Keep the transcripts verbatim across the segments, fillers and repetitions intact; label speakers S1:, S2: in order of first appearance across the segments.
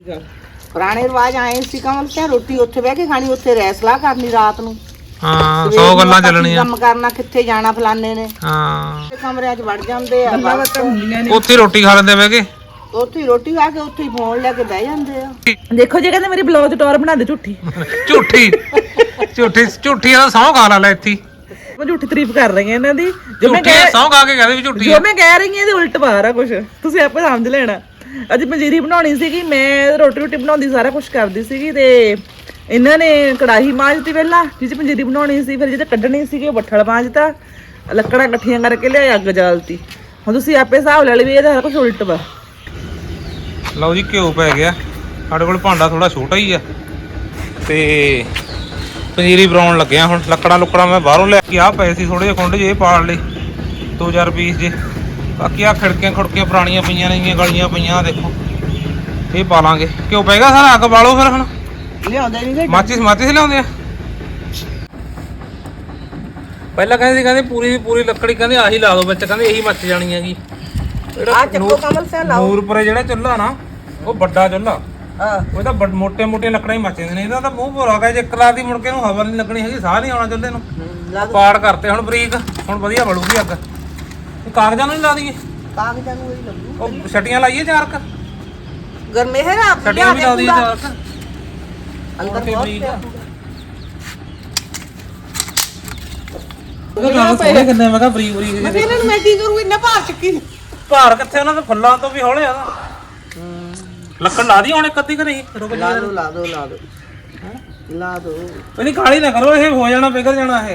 S1: ਪੁਰਾਣੇ ਰਿਵਾਜ ਆਏ ਸੀ ਕਮਲ ਸਿਆ ਰੋਟੀ ਉੱਥੇ ਬਹਿ ਕੇ ਖਾਣੀ, ਉੱਥੇ ਰੈਸਲਾ ਕਰਨੀ ਰਾਤ ਨੂੰ।
S2: ਹਾਂ ਸੌ ਗੱਲਾਂ ਚੱਲਣੀਆਂ,
S1: ਕੰਮ ਕਰਨਾ, ਕਿੱਥੇ ਜਾਣਾ ਫਲਾਣੇ ਨੇ।
S2: ਹਾਂ
S1: ਕਮਰਿਆਂ 'ਚ ਵੜ ਜਾਂਦੇ ਆ,
S2: ਉੱਥੇ ਰੋਟੀ ਖਾ ਲੈਂਦੇ ਬਹਿ ਕੇ,
S1: ਉੱਥੇ ਰੋਟੀ ਖਾ ਕੇ ਉੱਥੇ ਫੋਨ ਲੈ ਕੇ ਬਹਿ ਜਾਂਦੇ ਆ।
S3: ਦੇਖੋ ਜੇ ਕਹਿੰਦੇ ਮੇਰੀ ਬਲੌਗ ਟੌਰ ਬਣਾ ਦੇ ਝੂਠੀ
S2: ਝੂਠੀ ਝੂਠੀ ਝੂਠੀ ਆ ਸੌ ਖਾ ਲੈ ਇੱਥੇ।
S3: ਮੈਂ ਝੂਠੀ ਤਾਰੀਫ ਕਰ ਰਹੀ ਹਾਂ ਇਹਨਾਂ ਦੀ, ਜੋ ਮੈਂ
S2: ਝੂਠੀ ਸੌ ਖਾ ਕੇ ਕਹਦੇ ਵੀ ਝੂਠੀ
S3: ਜੋ ਮੈਂ ਕਹਿ ਰਹੀ ਹਾਂ ਇਹਦੇ ਉਲਟ ਬਾਹਰ ਆ ਕੁਛ, ਤੁਸੀਂ ਆਪੇ ਸਮਝ ਲੈਣਾ। ਅੱਜ ਪੰਜੀਰੀ ਬਣਾਉਣੀ ਸੀਗੀ, ਮੈਂ ਰੋਟੀ ਰੋਟੀ ਬਣਾਉਂਦੀ ਸਾਰਾ ਕੁਝ ਕਰਦੀ ਸੀਗੀ, ਤੇ ਇਹਨਾਂ ਨੇ ਕੜਾਹੀ ਮਾਂਜਤੀ ਪਹਿਲਾਂ ਜਿਹਦੇ ਪੰਜੀਰੀ ਬਣਾਉਣੀ ਸੀ, ਫਿਰ ਜਿਹਦੇ ਕੱਢਣੀ ਸੀਗੀ ਉਹ ਬੱਠਲ ਮਾਂਜਤਾ, ਲੱਕੜਾਂ ਇਕੱਠੀਆਂ ਕਰਕੇ ਲਿਆ ਅੱਗ ਜਾਲਤੀ। ਹੁਣ ਤੁਸੀਂ ਆਪੇ ਹਿਸਾਬ ਲੈ ਲਓ ਵੀ ਇਹਦਾ ਕੁਝ ਉਲਟ ਵਾ।
S2: ਲਓ ਜੀ ਘਿਓ ਪੈ ਗਿਆ ਸਾਡੇ ਕੋਲ, ਭਾਂਡਾ ਥੋੜਾ ਛੋਟਾ ਹੀ ਆ, ਤੇ ਪਨੀਰੀ ਬਣਾਉਣ ਲੱਗਿਆ। ਹੁਣ ਲੱਕੜਾਂ ਲੁੱਕੜਾਂ ਮੈਂ ਬਾਹਰੋਂ ਲੈ ਕੇ, ਆਹ ਪਏ ਸੀ ਥੋੜੇ ਜਿਹੇ ਖੁੰਡ ਜੇ ਪਾੜ ਲਏ ਦੋ ਹਜ਼ਾਰ ਪੀਸ ਜੇ। ਬਾਕੀ ਆ ਖਿੜਕੀਆਂ ਖੁੜਕੀਆਂ ਪੁਰਾਣੀਆਂ ਪਈਆਂ ਨੇਗੀਆਂ, ਗਲੀਆਂ ਪਈਆਂ, ਦੇਖੋ ਇਹ ਪਾ ਲਾਂਗੇ। ਘਿਓ ਪੈਗਾ ਸਾਰਾ, ਅੱਗ ਬਾਲੋ ਫਿਰ। ਹੁਣ
S1: ਲਿਆਉਂਦੇ ਨਹੀਂ
S2: ਮਾਚਿਸ ਮਾਚਿਸ ਲਿਆਉਂਦੇ ਆ। ਪਹਿਲਾਂ ਕਹਿੰਦੇ ਸੀ ਕਹਿੰਦੇ ਪੂਰੀ ਦੀ ਪੂਰੀ ਲੱਕੜੀ ਕਹਿੰਦੇ ਆਹੀ ਲਾ ਦੋ ਵਿੱਚ, ਕਹਿੰਦੇ ਇਹੀ ਮੱਚ ਜਾਣੀ ਹੈਗੀ।
S1: ਆ ਚੱਕੋ ਕਮਲ ਸਿਆ ਲਾਓ।
S2: ਨੂਰਪੁਰੇ ਜਿਹੜਾ ਚੁੱਲ੍ਹਾ ਨਾ, ਉਹ ਵੱਡਾ ਚੁੱਲ੍ਹਾ,
S1: ਹਾਂ
S2: ਉਹ ਤਾਂ ਮੋਟੇ ਮੋਟੇ ਲੱਕੜਾਂ ਹੀ ਮੱਚ ਜਾਂਦੇ ਨੇ। ਇਹਦਾ ਤਾਂ ਮੂੰਹ ਭੋਰਾ ਗਿਆ, ਜੇ ਇੱਕ ਰਾਤ ਦੀ ਮੁੜ ਕੇ ਨੂੰ ਹਵਾ ਨਹੀਂ ਲੱਗਣੀ ਹੈਗੀ, ਸਾਹ ਨਹੀਂ ਆਉਣਾ ਚੁੱਲ੍ਹੇ ਨੂੰ। ਪਾੜ ਕਰਤੇ ਹੁਣ ਬਰੀਕ, ਹੁਣ ਵਧੀਆ ਬਲੂਗੀ ਅੱਗ। ਕਾਗਜ਼ਾਂ ਨੂੰ ਨਹੀਂ ਲਾ ਦਈਏ,
S1: ਕਾਗਜ਼ਾਂ ਨੂੰ ਹੀ ਲੱਗੂ।
S2: ਉਹ ਛਟੀਆਂ ਲਾਈਏ ਚਾਰ ਕ,
S1: ਗਰਮੇ ਹੈ ਨਾ,
S2: ਛਟੀਆਂ ਵੀ ਲਾ ਦਈਏ ਚਾਰ ਕ
S1: ਅੰਦਰ
S2: ਬਰੀਕ। ਕਿੰਨੇ ਮੈਂ ਕਿਹਾ ਬਰੀਕ ਬਰੀਕ
S1: ਮੈਂ ਇਹਨਾਂ ਨੂੰ ਮੈਂ ਕੀ ਕਰੂ, ਇੰਨਾ ਭਾਰ ਚੱਕੀ
S2: ਭਾਰ ਕਿੱਥੇ, ਉਹਨਾਂ ਦੇ ਫੁੱਲਾਂ ਤੋਂ ਵੀ ਹੌਲੇ ਆ ਨਾ। ਲੱਕੜ ਲਾ ਦੀ ਹੁਣ ਇੱਕ ਅੱਧੀ ਘਰੇ ਰੁਕ
S1: ਲਾ ਦੋ ਲਾ ਦੋ ਲਾ ਦੋ ਲਾ ਦੋ।
S2: ਨਹੀਂ ਕਾਲੀ ਨਾ ਕਰੋ, ਇਹ ਹੋ ਜਾਣਾ, ਪਿਘਲ ਜਾਣਾ ਇਹ।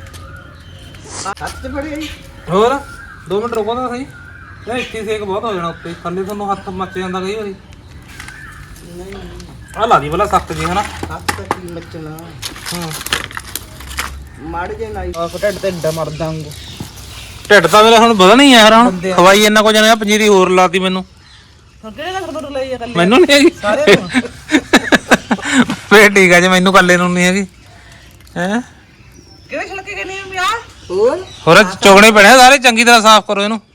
S1: ਹੱਥ ਫੜੇ
S2: ਹੋਰ ਦੋ ਮਿੰਟ ਰੁਕੋ ਤਾਂ ਸਹੀ, ਇਹ ਇੱਥੇ ਸੇਕ ਬਹੁਤ ਹੋ ਜਾਣਾ ਉੱਤੇ ਥੱਲੇ, ਤੁਹਾਨੂੰ ਹੱਥ ਮੱਚ ਜਾਂਦਾ ਕਈ ਵਾਰੀ।
S1: ਨਹੀਂ
S2: ਆਹ ਲਾ ਦੀ ਪਹਿਲਾਂ ਸਖਤ ਜੀ ਹਨਾ।
S1: ਹੱਥ ਕੀ ਮੱਚਣਾ,
S2: ਹਾਂ
S1: ਮੜ ਜੇ ਨਾਈ ਆ ਢਿੱਡ ਤੇ ਡਾ ਮਰ ਦਾਂਗੇ।
S2: ਢਿੱਡ ਤਾਂ ਮੇਰਾ ਹੁਣ ਵਧਣਾ ਹੀ ਆ ਯਾਰ, ਹੁਣ ਖਵਾਈ ਇੰਨਾ ਕੁਝ ਨਾ, ਪੰਜੀਰੀ ਹੋਰ ਲਾਤੀ ਮੈਨੂੰ।
S3: ਕਿਹੜੇ ਗੱਲ ਤੋਂ ਲਈ ਆ ਕੱਲੇ
S2: ਮੈਨੂੰ ਨਹੀਂ ਹੈਗੀ
S3: ਸਾਰੇ ਨੂੰ?
S2: ਫੇਰ ਠੀਕ ਆ ਜੇ ਮੈਨੂੰ ਕੱਲੇ ਨੂੰ ਨਹੀਂ ਹੈਗੀ। ਹੈ
S3: ਕਿਹੜੇ ਛਲਕੇ ਕਹਿੰਦੇ ਆ ਯਾਰ?
S1: ਹੋਰ
S2: ਹੋਰ ਚੁਗਣੇ ਪੈਣੇ ਸਾਰੇ, ਚੰਗੀ ਤਰ੍ਹਾਂ ਸਾਫ਼ ਕਰੋ ਇਹਨੂੰ।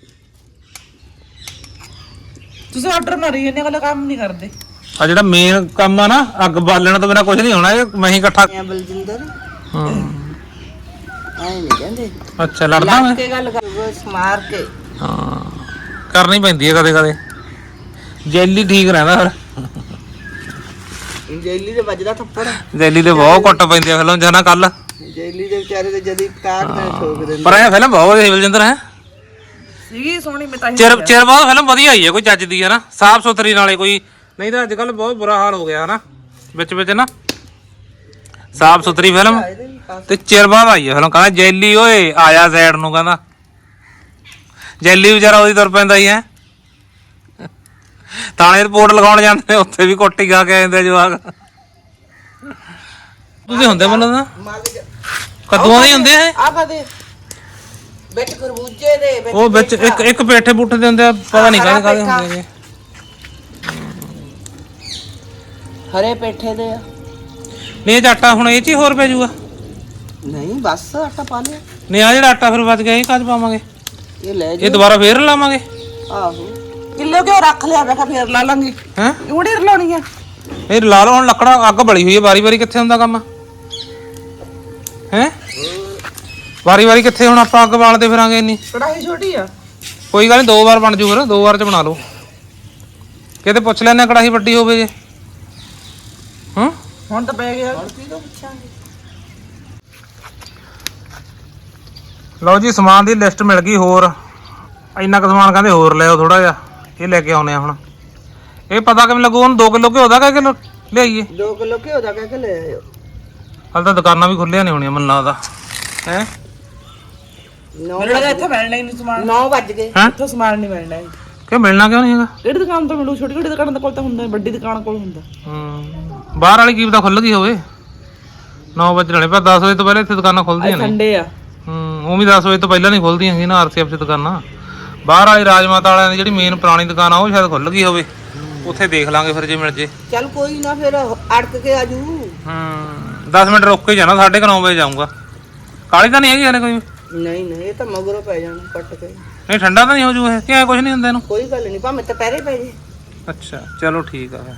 S3: ਤੁਸੀਂ ਆਰਡਰ ਮਾਰੀ ਇਹਨੇ ਵਾਲਾ ਕੰਮ ਨਹੀਂ ਕਰਦੇ।
S2: ਆ ਜਿਹੜਾ ਮੇਨ ਕੰਮ ਆ ਨਾ, ਅੱਗ ਬਾਲਣ ਤੋਂ ਬਿਨਾ ਕੁਝ ਨਹੀਂ ਹੋਣਾ, ਇਹ ਮੈਂ ਹੀ ਇਕੱਠਾ।
S1: ਬਲਜਿੰਦਰ
S2: ਹਾਂ
S1: ਐ ਨਹੀਂ ਕਹਿੰਦੇ,
S2: ਅੱਛਾ ਲੜਦਾ ਮੈਂ।
S1: ਲੱਗ ਕੇ ਗੱਲ ਕਰ, ਬਸ ਮਾਰ ਕੇ।
S2: ਹਾਂ ਕਰਨੀ ਪੈਂਦੀ ਹੈ ਕਦੇ ਕਦੇ, ਜੈਲੀ ਠੀਕ ਰਹਿੰਦਾ ਫਿਰ।
S1: ਜੈਲੀ ਦੇ ਵੱਜਦਾ ਥੱਪੜ,
S2: ਜੈਲੀ ਦੇ ਬਹੁਤ ਕੁੱਟ ਪੈਂਦੀ ਆ ਫਿਲਮ ਜਨਾ ਕੱਲ।
S1: ਜੈਲੀ ਦੇ ਵਿਚਾਰੇ ਤੇ ਜਦੀ ਕਾਟ ਨਾਲ ਠੋਕ ਦਿੰਦੇ।
S2: ਪਰ ਇਹ ਫਿਲਮ ਬਹੁਤ ਵਧੀਆ ਬਲਜਿੰਦਰ ਹੈ,
S3: ਸੀਗੀ ਸੋਹਣੀ। ਮੈਂ ਤਾਂ ਹੀ
S2: ਚਿਰ ਚਿਰ ਬਾਅਦ ਫਿਲਮ ਵਧੀਆ ਆਈ ਹੈ, ਕੋਈ ਚੱਜ ਦੀ ਹੈ ਨਾ, ਸਾਫ ਸੁਥਰੀ ਨਾਲੇ ਕੋਈ। ਨਹੀਂ ਤਾਂ ਅੱਜ ਕੱਲ ਬਹੁਤ ਬੁਰਾ ਹਾਲ ਹੋ ਗਿਆ ਹਨਾ ਵਿੱਚ ਵਿੱਚ ਨਾ। ਸਾਫ ਸੁਥਰੀ ਫਿਲਮ ਤੇ ਚਿਰ ਬਾਅਦ ਆਈ ਹੈ ਫਿਲਮ। ਕਹਿੰਦਾ ਜੈਲੀ ਓਏ ਆਇਆ ਸਾਈਡ ਨੂੰ, ਕਹਿੰਦਾ ਜੈਲੀ ਵਿਚਾਰਾ ਉਹਦੀ ਤੁਰ ਪੈਂਦਾ ਹੀ ਹੈ। ਥਾਣੇ ਰਿਪੋਰਟ ਲਗਾਉਣ ਜਾਂਦੇ ਨੇ, ਉੱਥੇ ਵੀ ਕੁੱਟੀ ਖਾ ਕੇ ਆਉਂਦੇ ਜਵਾਕ। ਤੁਸੀਂ ਹੁੰਦੇ ਮੈਨੂੰ ਨਾ ਕੱਦੂਆਂ ਦੇ ਹੁੰਦੇ ਆ
S1: ਆ ਕਦੇ ਵਿੱਚ ਖਰਬੂਜੇ ਦੇ ਵਿੱਚ
S2: ਉਹ ਵਿੱਚ ਇੱਕ ਇੱਕ ਪੇਠੇ ਪੁੱਠੇ ਦੇ ਹੁੰਦੇ ਆ, ਪਤਾ ਨਹੀਂ ਕਾਹਦੇ ਕਾਹਦੇ ਹੁੰਦੇ ਨੇ।
S1: ਹਰੇ ਪੇਠੇ ਦੇ ਆ।
S2: ਨਹੀਂ ਇਹ ਆਟਾ ਹੁਣ ਇਹ ਚ ਹੀ ਹੋਰ ਪੈ ਜੂਗਾ।
S1: ਨਹੀਂ ਬਸ ਆਟਾ ਪਾ ਲਿਆ।
S2: ਨਹੀਂ ਆ ਜਿਹੜਾ ਆਟਾ ਫਿਰ ਬਚ ਗਿਆ, ਇਹ ਕਾਹਦੇ ਪਾਵਾਂਗੇ?
S1: ਇਹ ਲੈ
S2: ਇਹ ਦੁਬਾਰਾ ਫੇਰ ਲਾਵਾਂਗੇ।
S1: ਆਹੋ ਕਿਲੋ ਕਿਉਂ ਰੱਖ ਲਿਆ, ਮੈਂ ਕਿਹਾ ਫੇਰ ਲਾ ਲਾਂਗੇ।
S2: ਹੈ
S1: ਉਹੜੀ ਲਾਉਣੀ ਆ
S2: ਇਹ ਲਾ ਲਓ ਹੁਣ, ਲੱਕੜਾਂ ਅੱਗ ਬਲੀ ਹੋਈ ਹੈ, ਵਾਰੀ ਵਾਰੀ ਕਿੱਥੇ ਹੁੰਦਾ ਕੰਮ ਹੈ? ਵਾਰੀ ਵਾਰੀ ਕਿੱਥੇ ਹੁਣ ਆਪਾਂ ਅੱਗ ਬਾਲਦੇ ਫਿਰਾਂਗੇ ਇੰਨੀ।
S3: ਕੜਾਹੀ ਛੋਟੀ ਆ,
S2: ਕੋਈ ਗੱਲ ਨਹੀਂ, ਦੋ ਵਾਰ ਬਣ ਜੂ, ਫਿਰ ਦੋ ਵਾਰ ਚ ਬਣਾ ਲਓ। ਕਿਤੇ ਪੁੱਛ ਲੈਣੇ ਕੜਾਹੀ ਵੱਡੀ ਹੋਵੇ ਜੇ। ਹਾਂ
S3: ਹੁਣ ਤਾਂ ਪੈ ਗਿਆ।
S2: ਲਓ ਜੀ ਸਮਾਨ ਦੀ ਲਿਸਟ ਮਿਲ ਗਈ, ਹੋਰ ਇੰਨਾ ਕੁ ਸਮਾਨ ਕਹਿੰਦੇ ਹੋਰ ਲਿਆਓ ਥੋੜਾ ਜਿਹਾ, ਇਹ ਲੈ ਕੇ ਆਉਨੇ ਆ ਹੁਣ। ਇਹ ਪਤਾ ਕਿਵੇਂ ਲੱਗੂ ਹੁਣ, ਦੋ ਕਿਲੋ ਘਿਓ ਦਾ ਕਿ ਕਿਲੋ ਲਿਆਈਏ?
S1: ਦੋ ਕਿਲੋ ਘਿਓ ਦਾ ਕਹਿ ਕੇ ਲੈ ਆਇਓ।
S2: ਹਾਲੇ ਤਾਂ ਦੁਕਾਨਾਂ ਵੀ ਖੁੱਲੀਆਂ ਨਹੀਂ ਹੋਣੀਆਂ ਮੈਨੂੰ ਲੱਗਦਾ ਹੈ।
S3: ਮੈਨੂੰ ਲੱਗਾ ਇੱਥੇ ਮਿਲਣਾ ਹੀ ਨਹੀਂ ਸਮਾਨ।
S1: ਨੌ ਵੱਜ ਗਏ।
S2: ਹੈ
S3: ਇੱਥੋਂ ਸਮਾਨ ਨਹੀਂ ਮਿਲਣਾ।
S2: ਕਿ ਮਿਲਣਾ ਕਿਉਂ ਨਹੀਂ ਹੈਗਾ?
S3: ਕਿਹੜੀ ਦੁਕਾਨ ਤੋਂ ਮਿਲੂ? ਛੋਟੀ ਛੋਟੀ ਦੁਕਾਨਾਂ ਕੋਲ ਤਾਂ ਹੁੰਦਾ, ਵੱਡੀ ਦੁਕਾਨ ਕੋਲ ਹੁੰਦਾ।
S2: ਹੂੰ ਬਾਹਰ ਵਾਲੀ ਕੀ ਪਤਾ ਖੁੱਲ ਗਈ ਹੋਵੇ। ਨੌ ਵਜੇ ਨਾਲੇ ਪਰ ਦਸ ਵਜੇ ਤੋਂ ਪਹਿਲਾਂ ਇੱਥੇ ਦੁਕਾਨਾਂ ਖੁੱਲਦੀਆਂ ਨੇ।
S3: ਸੰਡੇ ਆ।
S2: ਹੂੰ ਉਹ ਵੀ ਦਸ ਵਜੇ ਤੋਂ ਪਹਿਲਾਂ ਨਹੀਂ ਖੁੱਲਦੀਆਂ ਹੈਗੀਆਂ ਨਾ ਆਰ ਸੀ ਐਫ 'ਚ ਦੁਕਾਨਾਂ। ਬਾਹਰ ਵਾਲੀ ਰਾਜਮਾਤਾ ਵਾਲਿਆਂ ਦੀ ਜਿਹੜੀ ਮੇਨ ਪੁਰਾਣੀ ਦੁਕਾਨ ਆ, ਉਹ ਸ਼ਾਇਦ ਖੁੱਲ ਗਈ ਹੋਵੇ। ਉੱਥੇ ਦੇਖ ਲਾਂਗੇ ਫਿਰ ਜੇ ਮਿਲ ਜੇ।
S1: ਚੱਲ ਕੋਈ ਨਾ, ਫਿਰ ਅੜਕ ਕੇ ਆਜੂ।
S2: ਹੂੰ ਦਸ ਮਿੰਟ ਰੁਕ ਕੇ ਜਾਣਾ, ਸਾਢੇ ਕੁ ਨੌ ਵਜੇ ਜਾਊਂਗਾ। ਕਾਲੀ ਤਾਂ ਨਹੀਂ ਹੈਗੀ ਹਲੇ ਕੋਈ?
S1: ਨਹੀਂ ਨਹੀਂ ਇਹ ਤਾਂ ਮਗਰੋਂ ਪੈ ਜਾਣਾ ਕੱਟ ਕੇ।
S2: ਨਹੀਂ ਠੰਡਾ ਤਾਂ ਨਹੀਂ ਹੋ ਜੂ ਇਹ, ਕਿ ਐ ਕੁਝ ਨਹੀਂ ਹੁੰਦਾ ਇਹਨੂੰ?
S1: ਕੋਈ ਗੱਲ ਨਹੀਂ, ਭਾਵੇਂ ਦੁਪਹਿਰੇ ਪੈ ਜੇ।
S2: ਅੱਛਾ ਚਲੋ ਠੀਕ ਆ ਫਿਰ।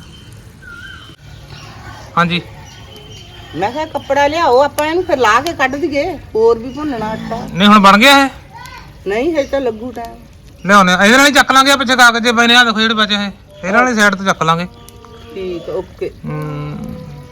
S2: ਹਾਂਜੀ
S1: ਮੈਂ ਕਿਹਾ ਕੱਪੜਾ ਲਿਆਓ ਆਪਾਂ ਇਹਨੂੰ ਫਿਰ ਲਾ ਕੇ ਕੱਢ ਦਈਏ, ਹੋਰ ਵੀ ਭੁੰਨਣਾ ਆਟਾ।
S2: ਨਹੀਂ ਹੁਣ ਬਣ ਗਿਆ ਇਹ?
S1: ਨਹੀਂ ਹਜੇ ਤਾਂ ਲੱਗੂ ਟਾਈਮ।
S2: ਲਿਆਉਣੇ ਇਹਦੇ ਨਾਲ ਹੀ ਚੱਕ ਲਾਂਗੇ ਪਿੱਛੇ ਕਾਗਜ਼ ਜੇ ਪਏ ਨੇ, ਆ ਦੇਖੋ ਜਿਹੜੇ ਬਚੇ ਇਹ ਇਹਦੇ ਨਾਲ ਹੀ ਸਾਈਡ ਤੋਂ ਚੱਕ ਲਾਂਗੇ।
S1: ਠੀਕ ਓਕੇ।
S2: ਹੂੰ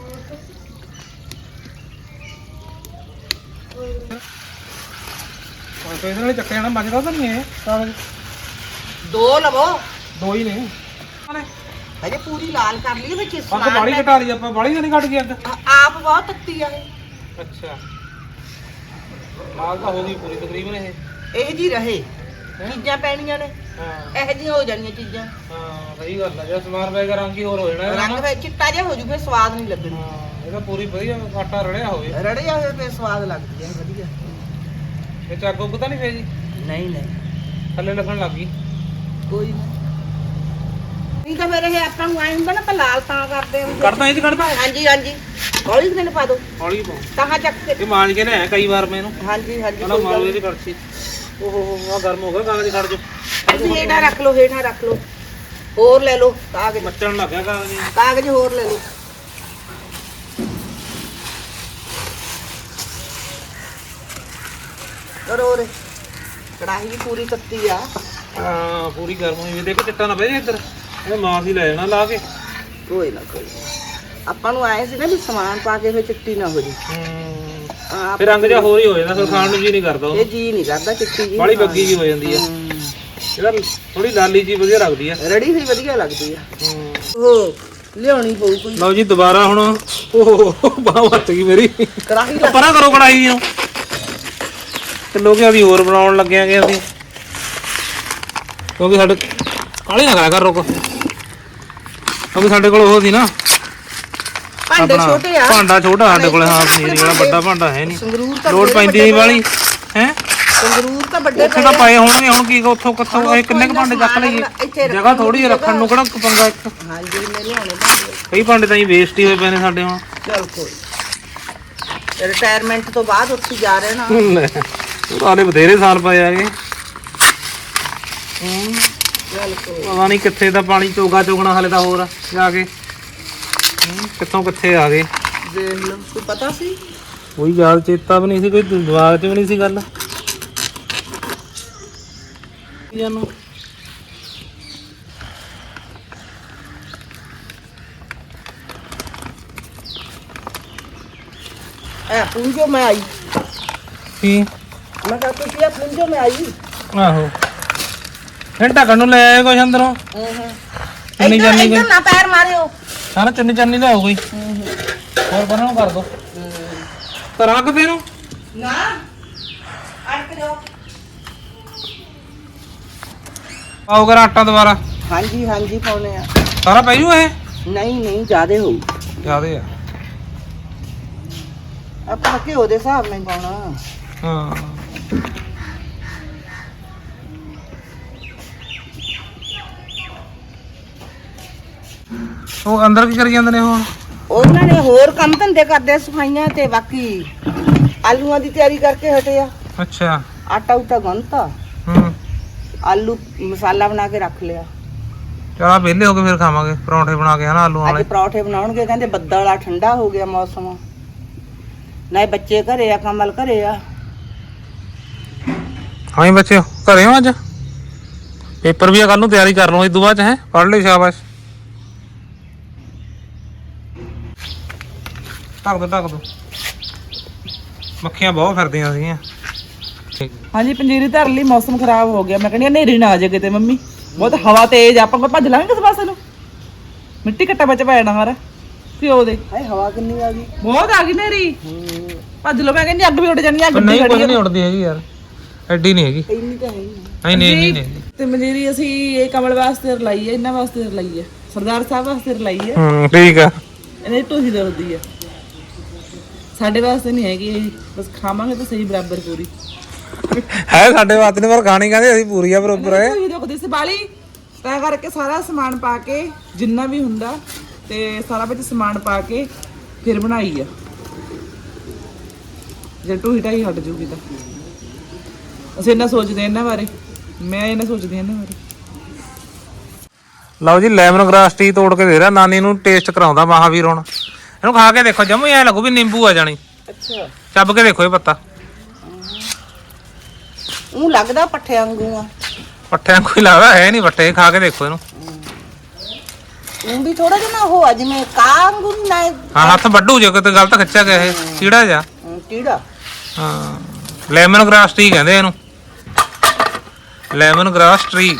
S2: ਇਹਦੇ ਨਾਲ ਹੀ ਚੱਕਿਆ ਜਾਣਾ, ਬਚਦਾ ਤਾਂ ਨਹੀਂ ਇਹ ਕਾਗਜ਼?
S1: ਦੋ ਲਵੋ,
S2: ਦੋ ਹੀ ਨੇ
S1: ਹਜੇ ਪੂਰੀ ਲਾਲ ਕਰ ਲਈ ਵਿੱਚ
S2: ਅੱਗ
S1: ਸਮਾਨ
S2: ਬਾਲੀ
S1: ਲੈ-
S2: ਘਟਾ ਲਈ ਆਪਾਂ, ਬਾਲੀ ਤਾਂ ਨਹੀਂ ਘਟ ਗਈ ਅੱਗ?
S1: ਆ- ਆਪ ਬਹੁਤ ਤੱਤੀ ਆ ਇਹ।
S2: ਅੱਛਾ ਲਾਲ ਤਾਂ ਹੋ ਗਈ ਪੂਰੀ ਤਕਰੀਬਨ ਇਹ।
S1: ਇਹ ਜੀ ਰਹੇ ਚੀਜ਼ਾਂ ਪੈਣੀਆਂ ਨੇ,
S2: ਹਾਂ
S1: ਇਹੋ ਜਿਹੀਆਂ ਹੋ ਜਾਣੀਆਂ ਚੀਜ਼ਾਂ।
S2: ਹਾਂ ਸਹੀ ਗੱਲ ਆ, ਜੇ ਸਮਾਨ ਪੈ ਗਿਆ ਰੰਗ ਹੀ ਹੋਰ ਹੋ ਜਾਣਾ ਇਹਦਾ।
S1: ਰੰਗ ਵਿੱਚ ਚਿੱਟਾ ਜਿਹਾ ਹੋ ਜੂ, ਫਿਰ ਸਵਾਦ ਨਹੀਂ ਲੱਗਣੀ।
S2: ਹਾਂ ਇਹਦਾ ਪੂਰੀ ਵਧੀਆ ਆਟਾ ਰੜਿਆ ਹੋਵੇ,
S1: ਰੜਿਆ ਹੋਇਆ ਫਿਰ ਸਵਾਦ ਲੱਗਦੀ ਹੈ ਵਧੀਆ।
S2: ਇਹ ਚ ਅੱਗ ਉੱਗ ਤਾਂ ਨਹੀਂ ਫੇਰ ਜੀ?
S1: ਨਹੀਂ ਨਹੀਂ
S2: ਥੱਲੇ ਲੱਗਣ ਲੱਗ ਗਈ।
S1: ਕੋਈ ਨਹੀਂ, ਨਹੀਂ ਤਾਂ ਫਿਰ ਇਹ ਆਪਾਂ ਨੂੰ ਆਏ ਹੁੰਦਾ ਨਾ, ਆਪਾਂ ਲਾਲ ਤਾਂ ਕਰਦੇ ਹਾਂ।
S2: ਕੱਢਦਾ ਇਹ ਚ ਕੱਢਦਾ?
S1: ਹਾਂਜੀ ਹਾਂਜੀ ਹੌਲੀ ਦਿਨ ਪਾ ਦੋ,
S2: ਹੌਲੀ ਪਾਓ,
S1: ਤਾਂ ਚੱਕ ਕੇ।
S2: ਇਹ ਮਾਂਜ ਕੇ ਲਿਆਇਆ ਕਈ ਵਾਰ ਮੈਂ ਇਹਨੂੰ।
S1: ਹਾਂਜੀ ਹਾਂਜੀ
S2: ਹਣਾ ਮਾਰੋ ਇਹਦੀ ਕੜਛੀ। ਓਹੋ ਆ ਗਰਮ ਹੋ ਗਿਆ, ਕਾਗਜ਼ ਕੱਢ ਜੋ।
S1: ਤੁਸੀਂ ਹੇਠਾਂ ਰੱਖ ਲਓ, ਹੇਠਾਂ ਰੱਖ ਲਓ, ਹੋਰ ਲੈ ਲਓ ਕਾਗਜ਼,
S2: ਮੱਚਣ ਲੱਗ ਗਿਆ ਕਾਗਜ਼।
S1: ਕਾਗਜ਼ ਹੋਰ ਲੈ ਲਓ। ਕਰੋ ਰੇ, ਕੜਾਹੀ ਵੀ ਪੂਰੀ ਤੱਤੀ ਆ।
S2: ਹਾਂ ਪੂਰੀ ਗਰਮ ਹੋਈ ਵੀ, ਦੇਖੋ ਚਿੱਟਾ ਨਾ ਪੈ ਜੇ ਇੱਧਰ, ਇਹ ਮਾਸ ਹੀ ਲੈ ਜਾਣਾ ਲਾ ਕੇ।
S1: ਕੋਈ ਨਾ ਕੋਈ ਨਾ। ਆਪਾਂ ਨੂੰ ਆਏ ਸੀ ਨਾ ਵੀ ਸਮਾਨ ਪਾ ਕੇ ਫਿਰ ਚਿੱਟੀ ਨਾ ਹੋ ਜੀ।
S2: ਹੂੰ
S1: ਆਪ
S2: ਫਿਰ ਰੰਗ ਜਿਹਾ ਹੋਰ ਹੀ ਹੋ ਜਾਂਦਾ, ਫਿਰ ਖਾਣ ਨੂੰ ਜੀ ਨਹੀਂ ਕਰਦਾ ਉਹ।
S1: ਇਹ ਜੀ ਨਹੀਂ ਕਰਦਾ ਚਿੱਟੀ ਜੀ,
S2: ਬਾਲੀ ਬੱਗੀ ਜੀ ਹੋ ਜਾਂਦੀ ਆ। ਇਹਦਾ ਥੋੜੀ ਲਾਲੀ ਜੀ ਵਧੀਆ ਲੱਗਦੀ ਆ,
S1: ਰੜੀ ਹੋਈ ਵਧੀਆ ਲੱਗਦੀ ਆ।
S2: ਹੂੰ
S1: ਉਹ ਲਿਆਉਣੀ ਪਊ ਕੋਈ।
S2: ਲਓ ਜੀ ਦੁਬਾਰਾ ਹੁਣ, ਓਹ ਬਾਹ ਵੱਟ ਗਈ ਮੇਰੀ।
S1: ਕੜਾਹੀ
S2: ਪਰਾਂ ਕਰੋ ਕੜਾਈ ਨੂੰ, ਕਿਲੋ ਕਿ ਅਸੀਂ ਹੋਰ ਬਣਾਉਣ ਲੱਗੇ ਆਂਗੇ ਅਸੀਂ, ਕਿਉਂਕਿ ਸਾਡੇ ਕਾਲੀ ਨਾ ਕਰਿਆ ਕਰ ਰੁਕ, ਕਿਉਂਕਿ ਸਾਡੇ ਕੋਲ ਉਹ ਸੀ ਨਾ
S1: ਭਾਂਡੇ ਛੋਟੇ ਆ,
S2: ਭਾਂਡਾ ਛੋਟਾ ਸਾਡੇ ਕੋਲ। ਹਾਂ ਪਨੀਰ ਵਾਲਾ ਵੱਡਾ ਭਾਂਡਾ ਹੈ ਨਹੀਂ,
S1: ਸੰਗਰੂਰ ਤਾਂ
S2: ਲੋੜ ਪੈਂਦੀ ਨਹੀਂ ਵਾਲੀ ਹੈ।
S1: ਸੰਗਰੂਰ ਤਾਂ ਵੱਡੇ
S2: ਉੱਥੇ ਤਾਂ ਪਏ ਹੋਣਗੇ, ਹੁਣ ਕੀ ਉੱਥੋਂ ਕਿੱਥੋਂ ਇਹ ਕਿੰਨੇ ਕੁ ਭਾਂਡੇ ਚੱਕ ਲਈਏ, ਜਗ੍ਹਾ ਥੋੜੀ ਜਿਹੀ ਰੱਖਣ ਨੂੰ, ਕਿਹੜਾ ਪੰਗਾ ਇੱਕ।
S1: ਹਾਂਜੀ ਮੈਂ ਲਿਆਉਣੇ ਭਾਂਡੇ।
S2: ਕਈ ਭਾਂਡੇ ਤਾਂ ਹੀ ਵੇਸਟ ਹੀ ਹੋਏ ਪਏ ਨੇ ਸਾਡੇ ਹੁਣ।
S1: ਚਲ ਕੋਈ, ਰਿਟਾਇਰਮੈਂਟ ਤੋਂ ਬਾਅਦ ਉੱਥੇ ਜਾ ਰਹੇ ਨਾ।
S2: ਉਹਦੇ ਬਥੇਰੇ ਸਾਲ ਪਏ ਆਗੇ।
S1: ਚਲ ਕੋਈ,
S2: ਪਤਾ ਨਹੀਂ ਕਿੱਥੇ ਦਾ ਪਾਣੀ ਚੋਗਾ ਚੋਗਣਾ ਹਾਲੇ ਤਾਂ ਹੋਰ ਜਾ ਕੇ, ਕਿੱਥੋਂ ਕਿੱਥੇ ਆ ਗਏ।
S1: ਦੇਖ ਲਓ, ਕੋਈ ਪਤਾ ਸੀ?
S2: ਕੋਈ ਯਾਦ ਚੇਤਾ ਵੀ ਨਹੀਂ ਸੀ, ਕੋਈ ਦਿਮਾਗ 'ਚ ਵੀ ਨਹੀਂ ਸੀ ਗੱਲ। ਜਾਨੂੰ
S1: ਐ ਪੁੰਜੋ ਮੈਂ ਆਈ,
S2: ਕੀ?
S1: ਮੈਂ ਕਿਹਾ ਤੁਸੀਂ ਇਹ ਪੁੰਜੋ ਮੈਂ ਆਈ।
S2: ਆਹੋ ਇਹ ਢੱਕਣ ਨੂੰ ਲੈ ਆਏ ਕੁਛ ਅੰਦਰੋਂ।
S1: ਹੂੰ ਹੂੰ
S2: ਚੰਨੀ
S1: ਇੱਧਰ
S2: ਚਾਨੀ ਕੋਈ
S1: ਇੱਧਰ ਨਾ ਪੈਰ ਮਾਰਿਓ।
S2: ਸਾਰਾ ਚੰਨੀ ਚਾਨੀ ਲਿਆਓ ਕੋਈ, ਹੋਰ ਬਣਾ ਕਰ ਦੋ। ਕਰਾਂ ਕਿ ਫੇਰ
S1: ਨਾ ਅੜਕ ਜਾਓ।
S2: ਪਾਓ ਕਰ ਆਟਾ ਦੁਬਾਰਾ,
S1: ਹਾਂਜੀ ਹਾਂਜੀ ਪਾਉਣੇ ਆ।
S2: ਸਾਰਾ ਪੈ ਜੂ ਇਹ?
S1: ਨਹੀਂ ਨਹੀਂ ਜ਼ਿਆਦੇ ਹੋਊ,
S2: ਜ਼ਿਆਦੇ ਆ।
S1: ਆਪਾਂ ਘਿਓ ਦੇ ਹਿਸਾਬ ਨਾਲ ਹੀ ਪਾਉਣਾ।
S2: ਹਾਂ ਉਹ ਅੰਦਰ ਕੀ ਕਰੀ ਜਾਂਦੇ ਨੇ ਉਹ?
S1: ਉਹਨਾਂ ਨੇ ਹੋਰ ਕੰਮ ਧੰਦੇ ਕਰਦੇ ਆ, ਸਫਾਈਆਂ ਤੇ ਬਾਕੀ ਆਲੂਆਂ ਦੀ ਤਿਆਰੀ ਕਰਕੇ ਹਟੇ ਆ।
S2: ਅੱਛਾ
S1: ਆਟਾ ਉਟਾ ਗੁੰਨਤਾ,
S2: ਹੂੰ
S1: ਆਲੂ ਮਸਾਲਾ ਬਣਾ ਕੇ ਰੱਖ ਲਿਆ।
S2: ਚਲਾ ਵਿਹਲੇ ਹੋ ਕੇ ਫਿਰ ਖਾਵਾਂਗੇ ਪਰੌਂਠੇ ਬਣਾ ਕੇ, ਹਨਾ ਆਲੂ
S1: ਅੱਜ
S2: ਵਾਲੇ।
S1: ਪਰੌਠੇ ਬਣਾਉਣਗੇ, ਕਹਿੰਦੇ ਬੱਦਲ ਆ, ਠੰਡਾ ਹੋ ਗਿਆ ਮੌਸਮ, ਨਾ ਬੱਚੇ ਘਰੇ ਆ, ਕਮਲ ਘਰੇ ਆ।
S2: ਹਾਂ ਬੱਚਿਓ ਘਰੇ ਹੋ ਅੱਜ? ਪੇਪਰ ਵੀ ਆ ਕੱਲ ਨੂੰ, ਤਿਆਰੀ ਕਰ ਲਓ ਇਸ ਤੋਂ ਬਾਅਦ ਹੈ, ਪੜ੍ਹ ਲਈ ਸ਼ਾਬਾਸ਼। ਢੱਕ ਦੋ ਢੱਕ ਦੋ, ਮੱਖੀਆਂ ਬਹੁਤ ਫਿਰਦੀਆਂ ਸੀਗੀਆਂ।
S3: ਹਾਂਜੀ ਪੰਜੀਰੀ ਧਰ ਲਈ, ਮੌਸਮ ਖਰਾਬ ਹੋ ਗਿਆ। ਮੈਂ ਕਹਿੰਦੀ ਹਨੇਰੀ ਨਾ ਆ ਜਾਏ ਕਿਤੇ ਮੰਮੀ, ਬਹੁਤ ਹਵਾ ਤੇਜ਼, ਆਪਾਂ ਕੋਈ ਭੱਜ ਲਾਂਗੇ ਕਿਸ ਪਾਸੇ ਨੂੰ, ਮਿੱਟੀ ਘੱਟਾ ਵਿੱਚ ਪੈ ਜਾਣਾ ਸਾਰਾ ਘਿਓ ਦੇ।
S1: ਹਾਏ ਹਵਾ ਕਿੰਨੀ ਆ ਗਈ,
S3: ਬਹੁਤ ਆ ਗਈ ਹਨੇਰੀ, ਭੱਜ ਲੋ। ਮੈਂ ਕਹਿੰਦੀ ਅੱਗ ਵੀ ਉੱਡ ਜਾਣੀ ਆ, ਗੱਡੀ
S2: ਨਹੀਂ ਕੁਝ
S3: ਖੜੀ
S2: ਨਹੀਂ ਉੱਡਦੀ ਹੈਗੀ ਯਾਰ, ਐਡੀ ਨਹੀਂ ਹੈਗੀ।
S1: ਇੰਨੀ ਤਾਂ ਹੈ ਹੀ
S2: ਨਹੀਂ ਨਹੀਂ ਨਹੀਂ ਨਹੀਂ
S3: ਤੇ ਪੰਜੀਰੀ ਅਸੀਂ ਇਹ ਕਮਲ ਵਾਸਤੇ ਰਲਾਈ ਹੈ, ਇਹਨਾਂ ਵਾਸਤੇ ਰਲਾਈ ਹੈ, ਸਰਦਾਰ ਸਾਹਿਬ ਵਾਸਤੇ ਰਲਾਈ ਹੈ।
S2: ਹੂੰ ਠੀਕ ਆ।
S3: ਇਹਨੇ ਢੋਹੀ ਦਰਦੀ ਹੈ, ਸਾਡੇ ਵਾਸਤੇ ਨਹੀਂ ਹੈਗੀ ਇਹ, ਬਸ ਖਾਵਾਂਗੇ ਤਾਂ ਸਹੀ ਬਰਾਬਰ ਪੂਰੀ
S2: ਹੈ ਸਾਡੇ ਵਾਸਤੇ ਨੇ, ਪਰ ਖਾਣੀ ਕਹਿੰਦੇ ਅਸੀਂ ਪੂਰੀ ਆ ਬਰੋਬਰ ਹੈ।
S3: ਢੋਹੀ ਦੁਖਦੀ ਸੀ ਬਾਲੀ, ਤਾਂ ਕਰਕੇ ਸਾਰਾ ਸਮਾਨ ਪਾ ਕੇ ਜਿੰਨਾ ਵੀ ਹੁੰਦਾ ਤੇ ਸਾਰਾ ਵਿੱਚ ਸਮਾਨ ਪਾ ਕੇ ਫਿਰ ਬਣਾਈ ਆ, ਜੇ ਢੋਹੀ ਢਾਈ ਹਟ ਜੂਗੀ ਤਾਂ। ਅਸੀਂ ਇਹਨਾਂ ਸੋਚਦੇ ਇਹਨਾਂ ਬਾਰੇ, ਮੈਂ ਇਹਨਾਂ ਸੋਚਦੀ ਇਹਨਾਂ ਬਾਰੇ।
S2: ਲਓ ਜੀ ਲੈਮਨ ਗ੍ਰਾਸ ਟੀ ਤੋੜ ਕੇ ਦੇ ਰਿਹਾ ਨਾਨੀ ਨੂੰ ਟੇਸਟ ਕਰਾਉਂਦਾ ਮਹਾਵੀਰ ਹੁਣ ਇਹਨੂੰ ਖਾ ਕੇ ਦੇਖੋ ਜਮੂ ਐ ਲੱਗੂ ਵੀ ਨਿੰਬੂ ਆ ਜਾਣੀ
S1: ਅੱਛਾ
S2: ਚੱਬ ਕੇ ਦੇਖੋ ਇਹ ਪੱਤਾ
S1: ਉਹ ਲੱਗਦਾ ਪੱਠੇ ਵਾਂਗੂ ਆ
S2: ਪੱਠਿਆਂ ਕੋਈ ਲੱਗਦਾ ਹੈ ਨਹੀਂ ਪੱਠੇ ਖਾ ਕੇ ਦੇਖੋ ਇਹਨੂੰ
S1: ਉਹ ਵੀ ਥੋੜਾ ਜਿਹਾ ਨਾ ਉਹ ਜਿਵੇਂ ਕਾਂਗੂ ਨਾ
S2: ਹਾਂ ਹੱਥ ਵੱਡੂ ਜੇ ਕਿਤੇ ਗਲਤ ਖਿੱਚਿਆ ਗਿਆ ਇਹ ਚੀੜਾ ਜਾ
S1: ਟੀੜਾ
S2: ਹਾਂ ਲੈਮਨ ਗ੍ਰਾਸ ਟੀ ਕਹਿੰਦੇ ਇਹਨੂੰ ਲੈਮਨ ਗ੍ਰਾਸ ਟਰੀ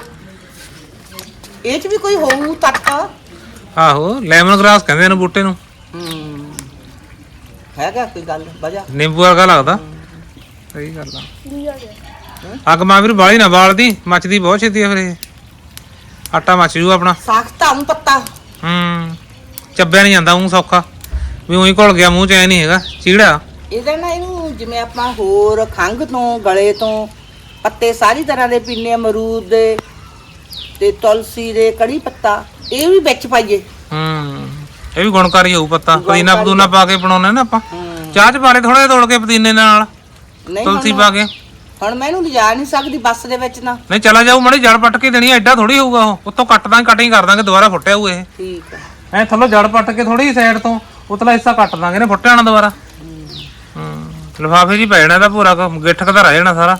S1: ਇਹ ਚ ਵੀ ਕੋਈ ਹੋਊ ਤੱਕ
S2: ਆਹੋ ਲੈਮਨ ਗ੍ਰਾਸ ਕਹਿੰਦੇ ਇਹਨੂੰ ਬੂਟੇ ਨੂੰ
S1: ਹੂੰ ਹੈਗਾ ਕੋਈ ਗੱਲ ਵਜਾ
S2: ਨਿੰਬੂ ਵਰਗਾ ਲੱਗਦਾ ਸਹੀ ਗੱਲ ਆ ਅੱਗ ਮਾਂ ਵੀਰ ਬਾਲੀ ਨਾ ਬਾਲਦੀ ਮੱਚਦੀ ਬਹੁਤ ਛੇਤੀ ਆ ਫਿਰ ਇਹ ਆਟਾ ਮੱਚ ਜੂ ਆਪਣਾ
S1: ਸਖਤਾ ਨੂੰ ਪੱਤਾ
S2: ਹੂੰ ਚੱਬਿਆ ਨਹੀਂ ਜਾਂਦਾ ਉਹ ਸੌਖਾ ਵੀ ਉਹੀ ਘੁਲ ਗਿਆ ਮੂੰਹ ਚ ਐ ਨਹੀਂ ਹੈਗਾ ਚੀੜਾ
S1: ਇਹਦਾ ਨਾ ਇਹਨੂੰ ਜਿਵੇਂ ਆਪਾਂ ਹੋਰ ਖੰਘ ਤੋਂ ਗਲੇ ਤੋਂ ਪੱਤੇ ਸਾਰੀ ਤਰ੍ਹਾਂ ਦੇ ਪੀਨੇ ਅਮਰੂਦ ਦੇ ਤੇ ਤੁਲਸੀ ਦੇ ਕੜੀ ਪੱਤਾ ਇਹ ਵੀ ਵਿੱਚ ਪਾਈਏ
S2: ਹੂੰ ਇਹ ਵੀ ਗੁਣਕਾਰੀ ਹੋਊ ਪੱਤਾ ਪੁਦੀਨਾ ਪਦੂਨਾ ਪਾ ਕੇ ਬਣਾਉਣੇ ਨਾ ਆਪਾਂ
S1: ਹੂੰ।
S2: ਚਾਹ ਚ ਪਾ ਲੈ ਥੋੜਾ ਜਿਹਾ ਤੋੜ ਕੇ ਪੁਦੀਨੇ ਨਾਲ
S1: ਨਹੀਂ
S2: ਤੁਲਸੀ
S1: ਹੁਣ-
S2: ਪਾ ਕੇ
S1: ਹੁਣ ਮੈਂ ਇਹਨੂੰ ਲਿਜਾ ਨਹੀਂ ਸਕਦੀ ਬੱਸ ਦੇ ਵਿੱਚ ਨਾ
S2: ਨਹੀਂ ਚਲਾ ਜਾਊ ਮੜੀ ਜੜ ਪੱਟ ਕੇ ਦੇਣੀ ਐਡਾ ਥੋੜੀ ਹੋਊਗਾ ਉਹ ਉੱਤੋਂ ਕੱਟ ਦਾਂਗੇ ਕਟਿੰਗ ਕਰ ਦਾਂਗੇ ਦੁਬਾਰਾ ਫੁੱਟਿਆ ਹੋਊ ਇਹ
S1: ਠੀਕ ਆ
S2: ਐ ਥੱਲੋਂ ਜੜ ਪੱਟ ਕੇ ਥੋੜੀ ਸਾਈਡ ਤੋਂ ਉਤਲਾ ਹਿੱਸਾ ਕੱਟ ਦਾਂਗੇ ਨੇ ਫੁੱਟਿਆ ਨਾ ਦੁਬਾਰਾ ਹੂੰ ਲਿਫਾਫੇ ਜੀ ਪੈ ਜਾਣਾ ਇਹਦਾ ਪੂਰਾ ਗਿੱਠ ਕਦਾ ਰਹਿ ਜਾਣਾ ਸਾਰਾ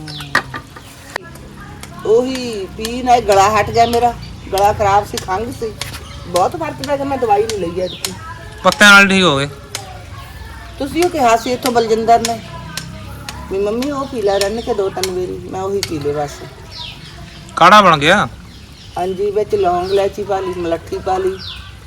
S1: ਉਹੀ ਪੀ ਨਾ ਗਲਾ ਹਟ ਗਿਆ ਮੇਰਾ ਗਲਾ ਖਰਾਬ ਸੀ ਖੰਘ ਸੀ ਬਹੁਤ ਫਰਕ ਪਿਆ ਕਿ ਮੈਂ ਦਵਾਈ ਨਹੀਂ ਲਈ ਅੱਜ
S2: ਪੱਤਿਆਂ ਨਾਲ ਠੀਕ ਹੋ ਗਏ
S1: ਤੁਸੀਂ ਉਹ ਕਿਹਾ ਸੀ ਇੱਥੋਂ ਬਲਜਿੰਦਰ ਨੇ ਵੀ ਮੰਮੀ ਉਹ ਪੀ ਲੈ ਰੰਨ ਕੇ ਦੋ ਤਿੰਨ ਵਾਰੀ ਮੈਂ ਉਹੀ ਪੀ ਲੇ ਬਸ
S2: ਕਾੜਾ ਬਣ ਗਿਆ
S1: ਹਾਂਜੀ ਵਿੱਚ ਲੌਂਗ ਇਲਾਇਚੀ ਪਾ ਲਈ ਮਲੱਠੀ ਪਾ ਲਈ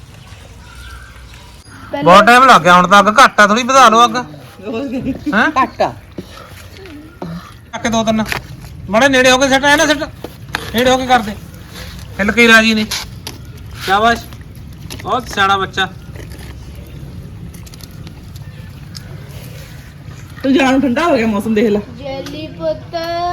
S2: ਬਹੁਤ ਟਾਈਮ ਲੱਗ ਗਿਆ ਹੁਣ ਤਾਂ ਅੱਗ ਘੱਟ ਆ ਥੋੜੀ ਵਧਾ ਲਓ ਅੱਗ ਹੈਂ
S1: ਘੱਟ ਆ
S2: ਚੱਕ ਦੋ ਤਿੰਨ ਬੜੇ ਨੇੜੇ ਹੋ ਕੇ ਸੱਟ ਐ ਨਾ ਸੱਟ ਨੇੜੇ ਹੋ ਕੇ ਕਰਦੇ ਹਿੱਲ ਕੇ ਰਾਜੀ ਨੇ ਸ਼ਾਬਾਸ਼ ਬਹੁਤ ਸਿਆਣਾ ਬੱਚਾ
S3: ਤੂੰ ਜਾਨ ਠੰਡਾ ਹੋ ਗਿਆ ਮੌਸਮ ਦੇਖ ਲੈ
S4: ਜੈਲੀ ਪੁੱਤ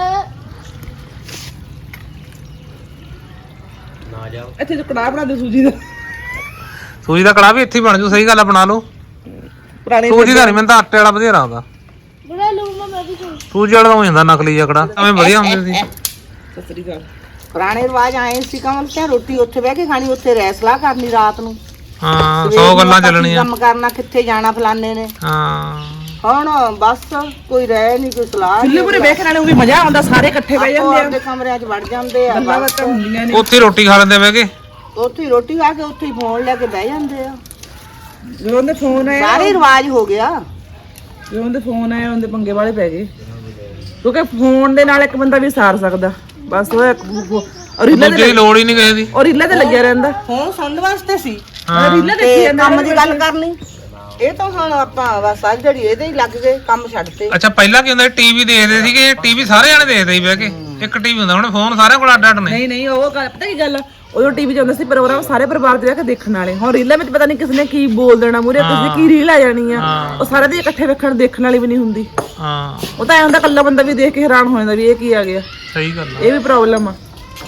S3: ਇੱਥੇ ਜੋ ਕੜਾਹ ਬਣਾ ਦੇ ਸੂਜੀ ਦਾ
S2: ਸੂਜੀ ਦਾ ਕੜਾਹ ਵੀ ਇੱਥੇ ਹੀ ਬਣ ਜੂ ਸਹੀ ਗੱਲ ਆ ਬਣਾ ਲਓ
S3: ਪੁਰਾਣੇ
S2: ਸੂਜੀ ਦਾ ਨਹੀਂ ਮੈਨੂੰ ਤਾਂ ਆਟੇ ਵਾਲਾ ਵਧੀਆ ਲੱਗਦਾ
S4: ਬੜਾ ਲੂੰਗਾ ਮੈਂ ਵੀ ਤੂੰ
S2: ਸੂਜੀ ਵਾਲਾ ਤਾਂ ਹੋ ਜਾਂਦਾ ਨਕਲੀ ਜਿਹਾ ਕੜਾਹ ਐਵੇਂ ਵਧੀਆ ਹੁੰਦੇ ਸੀ
S3: ਸਤਿ ਸ੍ਰੀ ਅਕਾਲ
S1: ਪੁਰਾਣੇ ਰਿਵਾਜ ਆਏ ਸੀ ਕਮਲ ਸਿਆ ਰੋਟੀ ਉੱਥੇ ਬਹਿ ਕੇ ਖਾਣੀ ਉੱਥੇ ਰੈਸਲਾ ਕਰਨੀ ਰਾਤ ਨੂੰ
S2: ਹਾਂ
S1: ਸਵੇਰ
S2: ਸੌ
S1: ਨੂੰ
S2: ਗੱਲਾਂ
S1: ਆਪਾਂ ਕੀ
S2: ਚੱਲਣੀਆਂ
S1: ਕੰਮ ਕਰਨਾ ਕਿੱਥੇ ਜਾਣਾ ਫਲਾਣੇ ਨੇ
S2: ਹਾਂ
S1: ਹੁਣ ਬਸ ਕੋਈ ਰਹਿ ਨਹੀਂ ਕੋਈ ਸਲਾਹ
S3: ਚੁੱਲ੍ਹੇ ਪੂਰੇ ਵੇਖਣ ਵਾਲੇ ਉਹ ਵੀ ਮਜ਼ਾ ਆਉਂਦਾ ਸਾਰੇ ਇਕੱਠੇ ਬਹਿ
S1: ਆਪੋ
S3: ਜਾਂਦੇ
S1: ਆਪਦੇ ਕਮਰਿਆਂ 'ਚ ਵੜ ਜਾਂਦੇ ਆ
S3: ਗੱਲਾਂ
S1: ਬਸ।
S3: ਬਾਤਾਂ ਹੁੰਦੀਆਂ ਨੇ
S2: ਉੱਥੇ ਹੀ ਰੋਟੀ ਖਾ ਲੈਂਦੇ ਬਹਿ ਕੇ
S1: ਉੱਥੇ ਹੀ ਰੋਟੀ ਖਾ ਕੇ ਉੱਥੇ ਹੀ ਫੋਨ ਲੈ ਕੇ ਬਹਿ ਜਾਂਦੇ ਆ
S3: ਜਦੋਂ ਉਹਦੇ ਫੋਨ ਆਇਆ
S1: ਸਾਰੇ ਰਿਵਾਜ ਹੋ ਗਿਆ
S3: ਜਦੋਂ ਉਹਦੇ ਫੋਨ ਆਇਆ ਉਹਦੇ ਪੰਗੇ ਵਾਲੇ ਪੈ ਗਏ ਕਿਉਂਕਿ ਫੋਨ ਦੇ ਨਾਲ ਇੱਕ ਬੰਦਾ ਵੀ ਸਾਰ ਸਕਦਾ ਬਸ ਉਹ ਇੱਕ ਔਰ ਰੀਲਾਂ
S2: ਦੂਜੇ ਦੀ ਲੋੜ ਹੀ ਨਹੀਂ ਕਿਸੇ ਦੀ
S3: ਔਰ ਰੀਲਾਂ ਤੇ ਲੱਗਿਆ ਰਹਿੰਦਾ
S1: ਫੋਨ ਸੁਣਨ ਵਾਸਤੇ ਸੀ
S2: ਹਾਂ
S3: ਰੀਲਾਂ ਦੇਖੀ
S1: ਤੇ
S3: ਜਾਂਦਾ
S1: ਕੰਮ ਦੀ ਗੱਲ ਕਰਨੀ ਇਹ ਤਾਂ ਹੁਣ ਆਪਾਂ ਬਸ ਅੱਜ ਜਿਹੜੀ ਇਹਦੇ ਹੀ ਲੱਗ ਗਏ ਕੰਮ ਛੱਡਤੇ
S2: ਅੱਛਾ ਪਹਿਲਾਂ ਕੀ ਹੁੰਦਾ ਟੀਵੀ ਦੇਖਦੇ ਸੀਗੇ ਟੀਵੀ ਸਾਰੇ ਜਣੇ ਦੇਖਦੇ ਸੀ ਬਹਿ ਕੇ ਇੱਕ ਟੀਵੀ ਹੁੰਦਾ ਹੁਣ ਫੋਨ ਸਾਰਿਆਂ ਕੋਲ ਅੱਡ ਅੱਡ ਨੇ
S3: ਨਹੀਂ ਨਹੀਂ ਉਹ ਗੱਲ ਪਤਾ ਕੀ ਗੱਲ ਆ? ਉਦੋਂ ਟੀਵੀ 'ਚ ਹੁੰਦਾ ਸੀ ਪ੍ਰੋਗਰਾਮ ਸਾਰੇ ਪਰਿਵਾਰ ਦੇ ਬਹਿ ਕੇ ਦੇਖਣ ਵਾਲੇ ਹੁਣ ਰੀਲਾਂ ਵਿੱਚ ਪਤਾ ਨਹੀਂ ਕਿਸ ਨੇ ਕੀ ਬੋਲ ਦੇਣਾ ਮੂਰੇ ਕਿਸੇ ਕੀ ਰੀਲ ਆ ਜਾਣੀ ਆ ਉਹ ਸਾਰੇ ਦੇ ਇਕੱਠੇ ਵੇਖਣ ਦੇਖਣ ਵਾਲੀ ਵੀ ਨਹੀਂ ਹੁੰਦੀ
S2: ਹਾਂ
S3: ਉਹ ਤਾਂ ਐ ਹੁੰਦਾ ਕੱਲਾ ਬੰਦਾ ਵੀ ਦੇਖ ਕੇ ਹੈਰਾਨ ਹੋ ਜਾਂਦਾ ਵੀ ਇਹ ਕੀ ਆ ਗਿਆ
S2: ਸਹੀ ਗੱਲ ਆ
S3: ਇਹ ਵੀ ਪ੍ਰੋਬਲਮ ਆ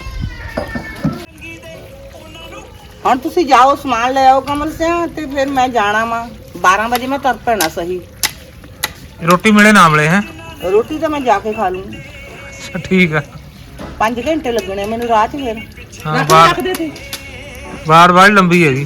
S1: ਹੁਣ ਤੁਸੀਂ ਜਾਓ ਸਮਾਨ ਲੈ ਆਓ ਕਮਲ ਸਿਆ ਤੇ ਫਿਰ ਮੈਂ ਜਾਣਾ ਵਾ ਬਾਰਾਂ ਵਜੇ ਮੈਂ ਤੁਰ ਪੈਣਾ ਸਹੀ
S2: ਰੋਟੀ ਮਿਲੇ ਨਾ ਮਿਲੇ ਹੈ
S1: ਰੋਟੀ ਤਾਂ ਮੈਂ ਜਾ ਕੇ ਖਾ ਲੂੰਗੀ
S2: ਅੱਛਾ ਠੀਕ ਆ
S1: ਪੰਜ ਘੰਟੇ ਲੱਗਣੇ ਮੈਨੂੰ ਰਾਹ 'ਚ ਫਿਰ
S2: ਹਾਂ ਬਾਹਰ
S3: ਰੱਖਦੇ ਤੇ
S2: ਬਾਹਰ ਬਾਹਰ ਲੰਬੀ ਹੈਗੀ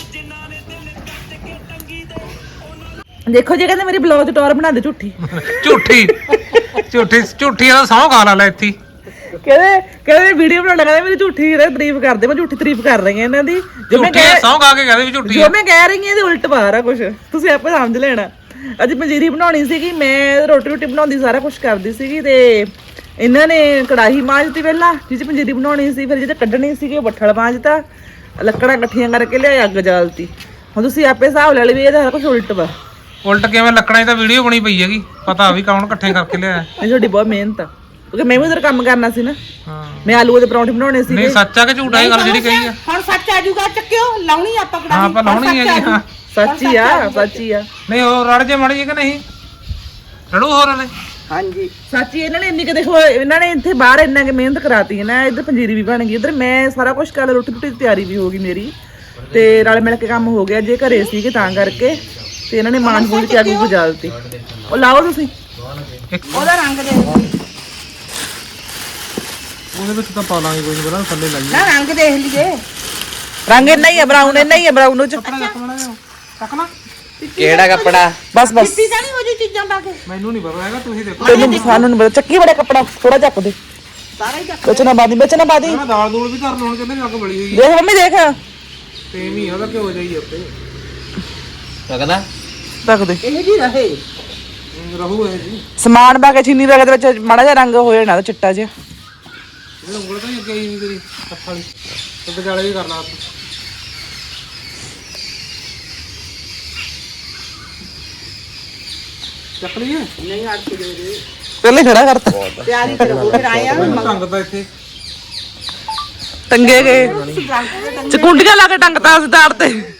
S3: ਦੇਖੋ ਜੇ ਕਹਿੰਦੇ ਮੇਰੀ ਬਲੌਗ ਟੌਰ ਬਣਾ ਦੇ ਝੂਠੀ
S2: ਝੂਠੀ ਝੂਠੀ ਝੂਠੀ ਦਾ ਸਹੁੰ ਖਾ ਲਾ ਇੱਥੇ
S3: ਕਹਿੰਦੇ ਕਹਿੰਦੇ ਵੀਡੀਓ ਬਣਾਉਣਾ ਕਹਿੰਦੇ ਮੇਰੀ ਝੂਠੀ ਇਹਦੀ ਤਾਰੀਫ ਕਰਦੇ ਮੈਂ ਝੂਠੀ ਤਾਰੀਫ ਕਰ ਰਹੀ ਹਾਂ ਇਹਨਾਂ ਦੀ ਜੋ ਮੈਂ
S2: ਝੂਠੀ
S3: ਕਹਿ
S2: ਸਹੁੰ ਖਾ ਕੇ ਕਹਦੇ ਵੀ ਝੂਠੀ
S3: ਜੋ ਮੈਂ ਕਹਿ ਰਹੀ ਹਾਂ ਇਹਦੇ ਉਲਟ ਬਾਹਰ ਆ ਕੁਛ ਤੁਸੀਂ ਆਪੇ ਸਮਝ ਲੈਣਾ ਅੱਜ ਪੰਜੀਰੀ ਬਣਾਉਣੀ ਸੀਗੀ ਮੈਂ ਰੋਟੀ ਰੋਟੀ ਬਣਾਉਂਦੀ ਸਾਰਾ ਕੁਝ ਕਰਦੀ ਸੀਗੀ ਤੇ ਇਹਨਾਂ ਨੇ ਕੜਾਹੀ ਮਾਂਜਤੀ ਪਹਿਲਾਂ ਜਿਹ 'ਚ ਪੰਜੀਰੀ ਬਣਾਉਣੀ ਸੀ ਫਿਰ ਜਿਹਦੇ ਕੱਢਣੀ ਸੀਗੀ ਉਹ ਬੱਠਲ ਮਾਂਜਤਾ ਲੱਕੜਾਂ ਇਕੱਠੀਆਂ ਕਰਕੇ ਲਿਆ ਅੱਗ ਜਾਲਤੀ ਹੁਣ ਤੁਸੀਂ ਆਪੇ ਹਿਸਾਬ ਲੈ ਲਈ ਵੀ ਇਹਦਾ ਸਾਰਾ ਕੁਝ ਉਲਟ ਵਾ
S2: ਉਲਟ ਕਿਵੇਂ ਲੱਕੜਾਂ 'ਚ ਤਾਂ ਵੀਡੀਓ ਬਣੀ ਪਈ ਹੈਗੀ ਪਤਾ ਵੀ ਕੌਣ ਇਕੱਠੇ ਕਰਕੇ ਲਿਆ
S3: ਇਹ ਤੁਹਾਡੀ ਬਹੁਤ ਮਿਹਨਤ ਆ ਕਿਉਂਕਿ ਮੈਂ ਵੀ ਉਧਰ ਕੰਮ ਕਰਨਾ ਸੀ ਨਾ
S2: ਹਾਂ
S3: ਮੈਂ ਆਲੂ ਦੇ ਪਰੌਂਠੇ ਬਣਾਉਣੇ ਸੀ
S2: ਨਹੀਂ ਸੱਚ ਆ ਕਿ ਝੂਠਾ ਇਹ ਗੱਲ ਜਿਹੜੀ ਕਹੀ ਆ
S1: ਹੁਣ ਸੱਚ ਆ ਜੂਗਾ ਚੱਕਿਓ ਲਾਉਣੀ ਆਪਾਂ
S2: ਹਾਂ
S1: ਕੜਾਹੀ
S2: ਆਪਾਂ ਲਾਉਣੀ ਹੈਗੀ ਹਾਂ
S3: ਸੱਚੀ ਆ ਸੱਚੀ ਆ
S2: ਨਹੀਂ ਉਹ ਰੜ ਜੇ ਮੜ ਜੇ ਕਿ ਨਹੀਂ ਰੜੂ ਹੋਰ ਵਾਲੇ
S1: ਹਾਂਜੀ
S3: ਸੱਚੀ ਇਹਨਾਂ ਨੇ ਇੰਨੀ ਕਿ ਦੇਖੋ ਇਹਨਾਂ ਨੇ ਇੱਥੇ ਬਾਹਰ ਇੰਨਾ ਕਿ ਮਿਹਨਤ ਕਰਾਤੀ ਹੈ ਨਾ ਇੱਧਰ ਪੰਜੀਰੀ ਵੀ ਬਣ ਗਈ ਇੱਧਰ ਮੈਂ ਸਾਰਾ ਕੁਝ ਕਰ ਰੋਟੀ ਰੋਟੀ ਦੀ ਤਿਆਰੀ ਵੀ ਹੋ ਗਈ ਮੇਰੀ ਤੇ ਨਾਲ ਮਿਲ ਕੇ ਕੰਮ ਹੋ ਗਿਆ ਜੇ ਘਰੇ ਸੀਗੇ ਤਾਂ ਕਰਕੇ ਤੇ ਇਹਨਾਂ ਨੇ ਮਾਨ ਮੂੰਹ ਚ ਅੱਗ ਗੁਜਾਲਤੀ ਉਹ ਲਾਓ ਤੁਸੀਂ
S2: ਇੱਕ
S1: ਉਹਦਾ ਰੰਗ ਦੇ
S2: ਉਹਦੇ ਵਿੱਚ ਤਾਂ ਪਾ ਲਾਂਗੇ ਕੋਈ ਨਹੀਂ ਬਣਾ ਥੱਲੇ ਲਾਈਏ
S1: ਨਾ ਰੰਗ ਦੇਖ ਲਈਏ
S3: ਰੰਗ ਇੰਨਾ ਹੀ ਹੈ ਬਰਾਊਨ ਇੰਨਾ ਹੀ ਹੈ ਬਰਾਊਨ ਚ
S2: ਕੱਪੜਾ ਰੱਖ ਲੈਣਾ ਜਿਹਾ ਚੱਕ ਲਾ
S5: ਕਿਹੜਾ ਕੱਪੜਾ?
S3: ਬਸ ਬਸ
S1: ਚਿੱਟੀ ਤਾਂ ਨਹੀਂ ਹੋ ਜੀ ਚੀਜ਼ਾਂ ਪਾ ਕੇ
S2: ਮੈਨੂੰ ਨਹੀਂ ਪਤਾ ਹੈਗਾ ਤੁਸੀਂ ਦੇਖੋ
S3: ਤੈਨੂੰ ਸਾਨੂੰ ਨਹੀਂ ਪਤਾ ਚੱਕੀ ਬੜਾ ਕੱਪੜਾ ਥੋੜਾ ਚੱਕ ਦੇ
S1: ਸਾਰਾ ਹੀ ਚੱਕ
S3: ਵਿੱਚ ਨਾ ਬਾਦੀ ਵਿੱਚ ਨਾ ਬਾਦੀ
S2: ਮੈਂ ਦਾਲ ਦੂਲ ਵੀ ਕਰ ਲਾਉਣ ਕਹਿੰਦੇ ਨੇ ਅੱਗ ਬਲੀ ਹੋਈ
S3: ਦੇਖ ਮੰਮੀ ਦੇਖ
S2: ਸੇਮ ਹੀ ਉਹਦਾ ਕਿਉਂ ਜਾਈ ਉੱਤੇ
S5: ਲੱਗਦਾ
S3: ਰੱਖ ਦੇ
S1: ਇਹ ਜੀ ਰਹੇ
S2: ਰਹੂ ਇਹ ਜੀ
S3: ਸਮਾਨ ਪਾ ਕੇ ਚੀਨੀ ਪਾ ਕੇ ਦੇ ਵਿੱਚ ਮਾੜਾ ਜਿਹਾ ਰੰਗ ਹੋ ਜਾਣਾ ਚਿੱਟਾ ਜਿਹਾ
S2: ਇਹ ਉਂਗਲ ਤਾਂ ਹੀ ਅੱਗੇ ਆਈ ਨਹੀਂ ਤੇਰੀ ਹੱਥ ਵਾਲੀ ਤੇ ਵਿਚਾਲੇ ਵੀ ਕਰ ਲਾ ਚੱਕ ਲਈਏ
S1: ਨਹੀਂ ਅੱਜ ਦੇ ਦੇ
S3: ਪਹਿਲੇ ਖੜਾ ਕਰਤਾ
S1: ਤਿਆਰੀ ਕਰੋ ਫਿਰ ਆਇਆ
S2: ਢੰਗ ਤਾਂ ਇੱਥੇ
S3: ਟੰਗੇ ਗਏ ਚਕੁੰਡੀਆਂ ਲਾ ਕੇ ਟੰਗਤਾ ਅਸੀਂ ਤਾੜ ਤੇ